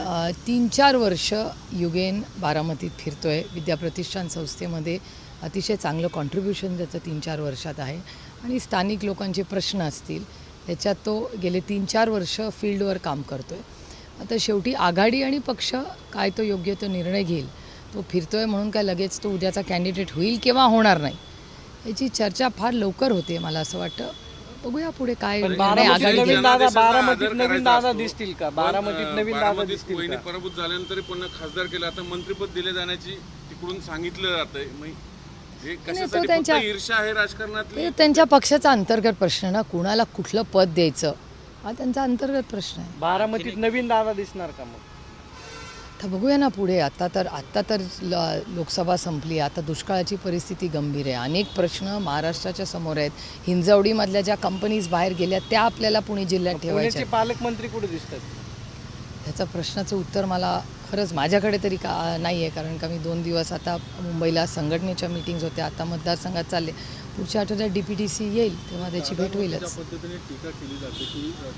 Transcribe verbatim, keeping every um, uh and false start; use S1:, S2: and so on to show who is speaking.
S1: अ, तीन चार वर्ष युगेन बारामतीत फिरतो आहे. विद्याप्रतिष्ठान संस्थेमध्ये अतिशय चांगलं कॉन्ट्रीब्युशन त्याचं तीन चार वर्षात आहे आणि स्थानिक लोकांचे प्रश्न असतील त्याच्यात तो गेले तीन चार वर्ष फील्डवर काम करतो आहे. आता शेवटी आघाडी आणि पक्ष काय तो योग्य तो निर्णय घेईल. तो फिरतो आहे म्हणून काय लगेच तो उद्याचा कॅन्डिडेट होईल किंवा होणार नाही याची चर्चा फार लवकर होते. मला असं वाटतं बघूया पुढे काय निर्णय आघाडी घेईल.
S2: बारामतीत नवीन दादा दिसतील का? बारामतीत नवीन दादा दिसतील
S3: वहिनी
S2: का?
S3: पराभूत झाल्यानंतर पुन्हा खासदार केलं, आता मंत्रिपद दिले जाण्याची तिकडून सांगितलं जातंय. हे कशासाठी फक्त ईर्ष्या आहे राजकारणातली?
S1: ते त्यांच्या पक्षाचा अंतर्गत प्रश्न ना, कुणाला कुठलं पद द्यायचं हा त्यांचा अंतर्गत प्रश्न आहे.
S2: बारामतीत नवीन दादा दिसणार का मग?
S1: आता बघूया ना पुढे. आता तर आत्ता तर ल- लोकसभा संपली. आता दुष्काळाची परिस्थिती गंभीर आहे. अनेक प्रश्न महाराष्ट्राच्या समोर आहेत. हिंजवडीमधल्या ज्या कंपनीज बाहेर गेल्या त्या आपल्याला पुणे जिल्ह्यात ठेवायच्या
S2: पुण्याचे पालकमंत्री कुठे दिसतात?
S1: ह्याचं प्रश्नाचं उत्तर मला खरंच माझ्याकडे तरी का नाही आहे, कारण का मी दोन दिवस आता मुंबईला संघटनेच्या मीटिंग्स होत्या. आता मतदारसंघात चालले. पुढच्या आठवड्यात डी पी टी सी येईल तेव्हा त्याची भेट होईलच.
S4: पद्धतीने टीका केली जाते की